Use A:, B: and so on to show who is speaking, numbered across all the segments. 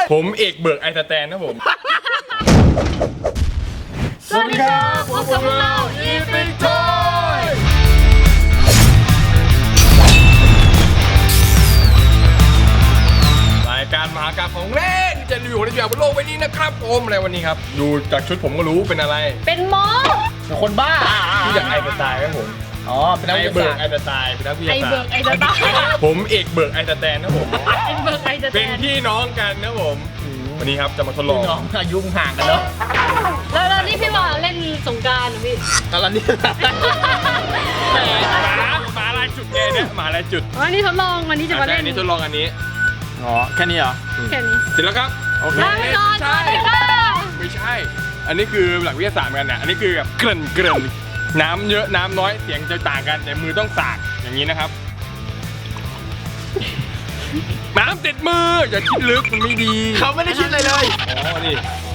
A: ผมเอกเบิร์กไอสแตนนะผม
B: สวัสดีครับพบกับเราอีพิกทอย
A: รายการมหากาพย์ของเล่นจะรีวิวในแบบบนโลกใบนี้นะครับผมอะไรวันนี้ครับดูจากชุดผมก็รู้เป็นอะไร
B: เป็นหมอ
C: เป็นคนบ้า
A: ที่จากไอสไตล์ครับผม
C: อ๋อ เป็นนัก
A: ไอ
C: วิท
A: เบิ
C: ยา
A: ร์ก
C: ศาสต
A: ไอ
C: ร์
A: สไตล์เป็นนักวิท
B: ไอย
A: าศา
B: เบิ
A: สต
B: ร์ก
A: ร์
B: ไอสตาร์
A: ผมเอกเบิร์กไอสแตนนะผม
B: ไอเบิร์กไอส
A: เป็น
B: แตน
A: พี่น้องกันนะผมวันนี้ครับจะมาทดลอง
C: น้องอายุห่างกันเนาะ
B: แล้วนี่พี่ว่าเล่นสงกรานต์เหรอพี่
C: ตอนนี้
A: แหมหมาลายจุดไงเนี่ยหมาลายจุด
B: วันนี้ทดลองวันนี้จะมาเล่น
A: อันนี้ทดลองอันนี้
C: อ๋อ แค่นี้เหรอ
B: แค่นี้
A: เสร็จแล้วครับ
C: โอเค
B: ลาไปก่อนสวัสดีค่ะ
A: ไม่ใช่ อันนี้คือหลักวิทยาศาสตร์เหมือนกันเนี่ยอันนี้คือแบบเกริ่นน้ำเยอะน้ำน้อยเสียงจะต่างกันแต่มือต้องสากอย่างนี้นะครับ น้ำติดมืออย่าคิดลึกมันไม่ดี
C: เขาไม่ได้คิดอะไรเลย
A: อ๋อนี่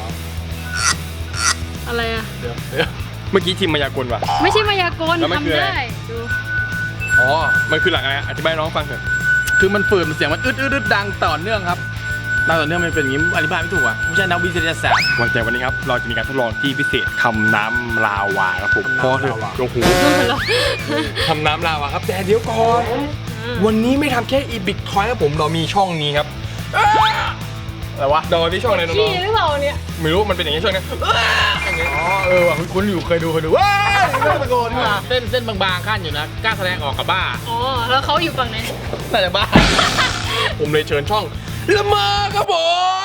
B: อะไรอะ
A: เมื่อกี้ทีมมายากลว่ะ
B: ไม่ใช่มายากล
A: แล้วมันคือ
B: ทำ
A: อะไร
B: ได้ดู
A: อ๋อมันคือหลักอะไรอธิบายน้องฟังเถอะ
C: คือมันฝืนเสียงมันอึดดังต่อเนื่องครับดังต่อเนื่องมันเป็นอย่างนี้อธิบายไม่ถูกอ่ะไม่ใช่นักวิทยาศาสตร์
A: วันใจวันนี้ครับเราจะมีการทดลองที่พิเศษทำน้ำลาวาครับผม
C: ทำน้ำลาวา
A: โอ้โหทำน้ำลาวาครับแต่เดี๋ยวก่อน วันนี้ไม่ทำแค่อีบิกทอยครับผมเรามีช่องนี้ครับ
C: อะไรวะ
A: เราที่ช่องอะไรน้
B: ขี้
A: อง
B: หรือเปล่าเนี่ย
A: ๆไม่รู้มันเป็นอย่างนี้ช่องนี้อย่างนี้
C: อ๋อ เออว่ะคุณอยู่เคยดูว้ายเรื่องตะโกนนี่มาเส้นบางๆขั้นอยู่นะ กล้าแสดงออกกับบ้า
B: อ๋อแล้วเขาอยู่ฝั่งไหน
C: น่าจะบ้า
A: ผมเลยเชิญช่องละเมอครับผม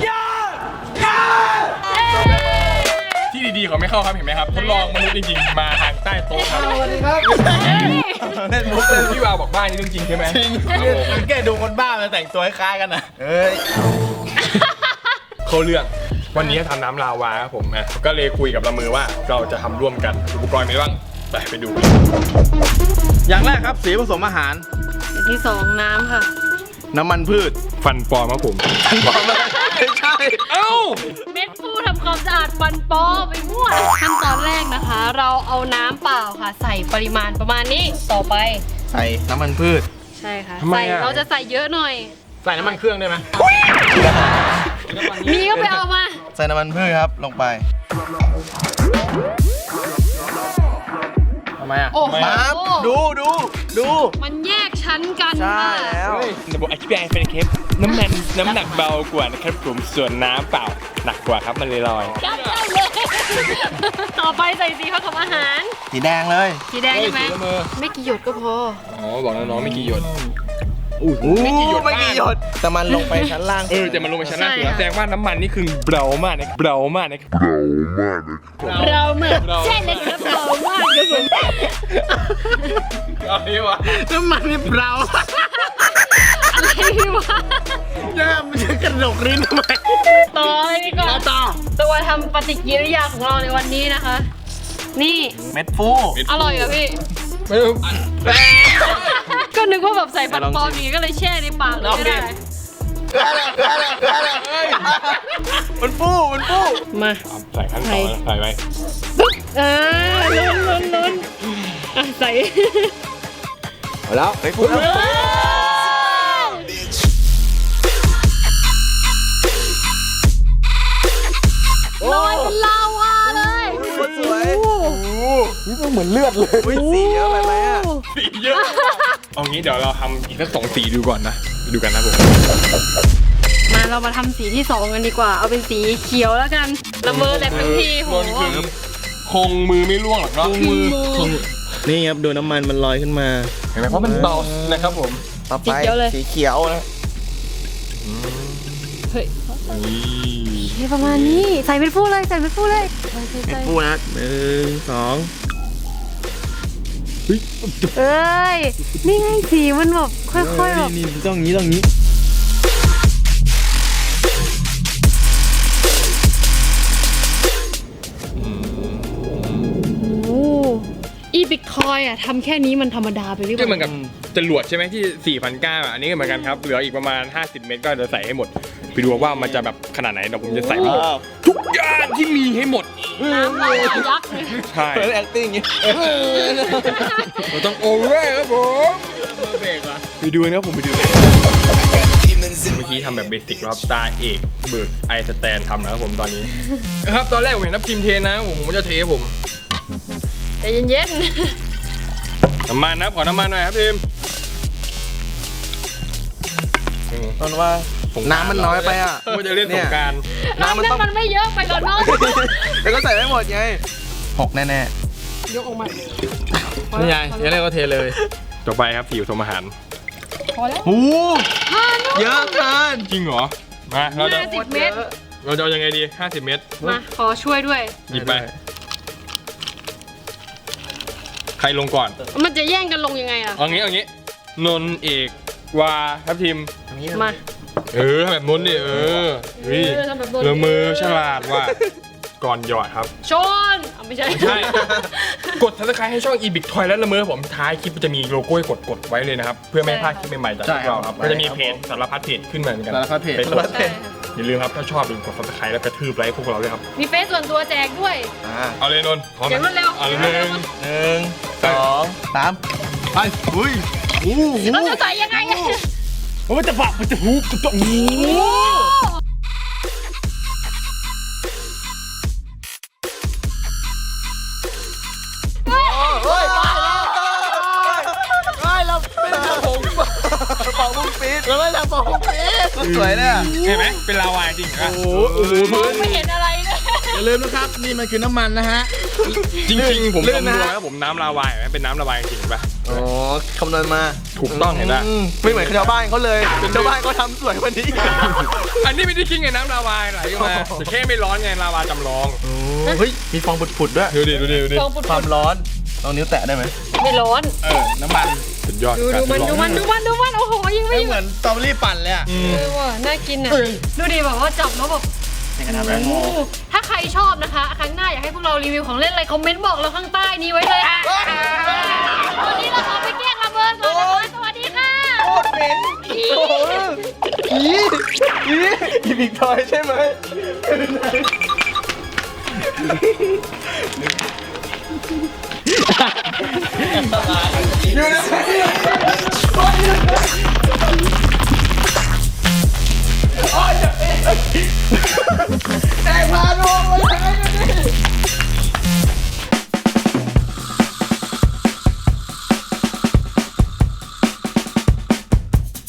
A: ที่ดีๆเขาไม่เข้าครับเห็นไหมครับทดลองมนุษย์จริงๆมาทางใต้โต๊ะครับ
C: สวัสดีครับ เล่นมุกเลย
A: พี่วาวบอกบ้านนี่เรื่องจริงใช่ไหม
C: จริงแกดูคนบ้ามาแต่งตัวคล้ายๆกันนะเอ้ย
A: เขาเรื่องวันนี้ทำน้ำลาวาครับผมนะก็เลยคุยกับละเมอว่าเราจะทำร่วมกันอุปกรณ์มีอะไรบ้างไปดู
C: อย่างแรกครับสีผสมอาหาร
B: อย่างที่สองน้ำค่ะ
C: น้ำมันพืช
A: ฟันปลอมครับผม
C: บอกเลยไม่ใช่
A: เอ้า
B: เม็ดฟูทำความสะอาดฟันปลอไปมั่วขั้นตอนแรกนะคะ เราเอาน้ำเปล่าค่ะ ใส่ปริมาณประมาณนี้ต่อไป
C: ใส่น้ำมันพืช
B: ใช่ค่ะ
A: ทำไม
B: ใส่
A: อะ
B: เราจะใส่เยอะหน่อย
C: ใส่น้ำมันเครื่องได้ไหม
B: มีก็ไปเอามา
C: ใส่น้ำมันพืชครับลงไปทำไมอ่ะ
B: โอ้โห
C: ปั๊บดู
B: มันแยกชั้นกัน
C: ใช่
B: ค่ะ
C: แล้ว
A: ระบบอธิบายเป็นเคปน้ำหนักเบากว่านะครับผมส่วนน้ำเปล่าหนักกว่าครับมันเลยลอย
B: ยัดเข้าเลยต่อไปใส่สีผสมอาหาร
C: สีแดงเลย
B: สีแดงใช่ไหม
A: สีละเมอ
B: ไม่กี่หยดก็พอ
A: อ๋อบอกน้องๆไม่กี่หยด
C: ไม่กี่หยดแต่มันลงไปชั้นล่าง
A: แต่มันลงไปชั้นล่าง
B: ใช่
A: สุดแล้ว
B: ค่ะ
A: แสดงว่าน้ำมันนี่คือเบามากนะเบามากนะ
B: เราเหมือนใช่เลยครับเรามากเลยผม
A: เอาดีวะ
C: น้ำมันนี่เปล่า
B: อะไรวะ
C: ย่ามันจะกระดกลิ้นทำไม
B: ต่อเลยดีกว่า
C: ต่อ
B: ตัวทำปฏิกิริยาของเราในวันนี้นะคะ นี่
C: เม็ดฟู
B: อร่อยเหรอพี่
A: ไม่รู้
B: ก็นึกว่าแบบใส่ฟันปลอมอย่างงี้ก็เลยแช่ในปากเลยก็ได้
C: มันฟู
B: มา
A: ใส่ขั้นตอนแล้วใส่ไป
B: ปึ๊บลุ้นอ่ะใส่
C: เอาแล้วใส่ฟู
B: ลอยเป็นลาวาเลย
C: สวยนี่มันเหมือนเลือดเลยสีเยอะไปไหมอ่ะ
A: สีเยอะเอางี้เดี๋ยวเราทำอีกสัก2 สีดูก่อนนะไปดูกันนะผม
B: มาเรามาทำสีที่2กันดีกว่า เอาเป็นสีเขียวแล้วกันละเมอแต่ทั้งทีโห
A: นคือคงมือไม่ร่วงหรอกเนาะ
C: นี่ครับดูน้ำมันมันลอยขึ้นมา
A: เห็นไหมเพราะมันเบานะครับผม
C: ต่อไปสีเขียวนะ
B: เฮ้ยนี่ประมาณนี้ใส่เป็นฟูเลยใส่เป็นฟูเลยใส่
C: เม็ดฟูนะ1 2
B: เอ้ยนี่ไงสีมันแบบค่อยๆแบบ
C: นี่ต้องงี้
B: โอ้อีบิตคอยอ่ะทำแค่นี้มันธรรมดาไปหรือเป
A: ก็เหมือน
B: ล่า
A: กับจรวดใช่ไหมที่ 4,900อ่ะอันนี้ก็เหมือนกันครับเหลืออีกประมาณ50 เมตรก็จะใส่ให้หมดไปดูว่ามันจะแบบขนาดไหนเดี๋ยวผมจะใส่ให้หมดทุกอย่างที่มีให้หมด
B: น้ำลายยักษ์เลย
A: ใช่
C: เปิด acting อย่างงี้
A: เราต้องโอเวอร์ครับผม
C: เบรกอ่ะ
A: ไปดูนะครับผมไปดู
D: Demons
A: เมื่อกี้ทำแบบเบสิกแล้วครับตาเอกเบิร์กไอสแตนทำนะครับผมตอนนี้ครับตอนแรกผมเห็นทัพทีมเทนะผมจะเทผม
B: ใจเย็น
A: น้ำมันนะขอน้ำมันหน่อยครับทีม
C: ต้นว่าน้ำมันน้อยไปอ่ะ
A: ว่าจะเล่นสงกราร
B: ๆน้ำมันไม่เยอะไปก่อนเนาะ
C: แล้วก็ใส่ไม่หมดไง6แน่
B: ยกออกมา
C: ๆนี่ไงยังไงก็เทเลย
A: ต่อไปครับสีผสมอาหาร
B: พอแล้ว
C: โอ้
B: เยอะ
C: เกิน
A: จริงเหรอมาเราจะ
B: 50 เมตร
A: เราจะเอายังไงดี50 เมตร
B: มาขอช่วยด้วย
A: หยิบไปใครลงก่อน
B: มันจะแย่งกันลงยังไงอ่ะ
A: เอางี้นนท์เอกวาทัพทีม
B: มา
A: แบบนนท์ดิเฮ้ย
B: ทำแบบนนท์
A: เออมือฉลาดว่ะก่อนหยอดครับ
B: ชนไม่ใช่
A: ไม่ใช่ กด subscribe ให้ช่อง eBIC Toy และละเมอผมท้ายคลิปจะมีโลโก้ให้กดไว้เลยนะครับ เพื่อไม่ให้พลาดคลิปใหม่ๆจากพวกเราครับก็จะมีเพจสารพัดเพจขึ้นมาเหมือนกัน
C: สารพัดเพจ
A: ไปกด
B: ใช่ค่ะ
A: อย่าลืมครับถ้าชอบอย่าลืมกด subscribe แล้วกระทืบไลค์พวกเราด้วยครับ
B: มีเฟซส่วนตัวแจกด้วย
A: เอาเลยนนท์พร้อมไห
B: เดี๋ยวรวดเร็ว
A: เอาเลย1
C: 1 2 3ไปอุ้ยโอ้โห
B: เราจะใส่ยังไงอะ
A: มันจะฝักมันจะหูจะโอ้โห
C: เฮ้ยเราเป็นกระผงเป่าบุ้งปี๊ดเราไม่ทำเป่าบุ้งปี๊ดสวยเนี่ย
A: เห็นไหมเป็นลาวาจริงครับ
B: มองไม่เห็นอะไรเลย
C: อย่าลืมนะครับนี่มันคือน้ำมันนะฮะ
A: จริงๆผม
C: ลื่
A: คำ
C: น
A: น
C: นะ
A: วณแล้วผมน้ำลาวาเห็นไหมเป็นน้ำลาวาจริงๆป่ะ
C: อ๋อคำนวณมา
A: ถูกต้องเห็นไหม
C: ไม่เหมือนชาวบ้านเขาเลยชาวบ้านเขาทำสวยกว่านี้
A: อันนี้ไม่ได้คิดไงน้ำลาวาไหลออกมาแต่แค่ไม่ร้อนไงลาวาจำลอง
C: เฮ้ยมีฟองผุดๆด้วย
A: ดูดิดูดิดูดิ
B: ฟองปุด
C: ความร้อนลองนิ้วแตะได้ไหม
B: ๆไม่ร้อน
C: น้ำมัน
A: สุดยอด
B: ดู
A: การ
B: มัน
A: ทดลอง
B: โอ้โหยิงไม่
C: ไม่
B: หยุ
C: เหมื
B: ด
C: อนสตรอเบอรี่ปั่นเลยอ่ะ
B: ว่ะน่ากินอ่ะดูดิแบบว่าจับแล้วแบบโอ้โหถ้าใครชอบนะคะ ครั้งหน้าอยากให้พวกเรารีวิวของเล่นอะไรคอมเมนต์บอกเราข้างใต้นี้ไว้เลยวันนี้เราขอไปแกล้งระเบิดก่อนนะคะสวัสดีค่ะ
C: โคตรเหม็นอีบิกทอยใช่ไหมอยู่นะแตกพาน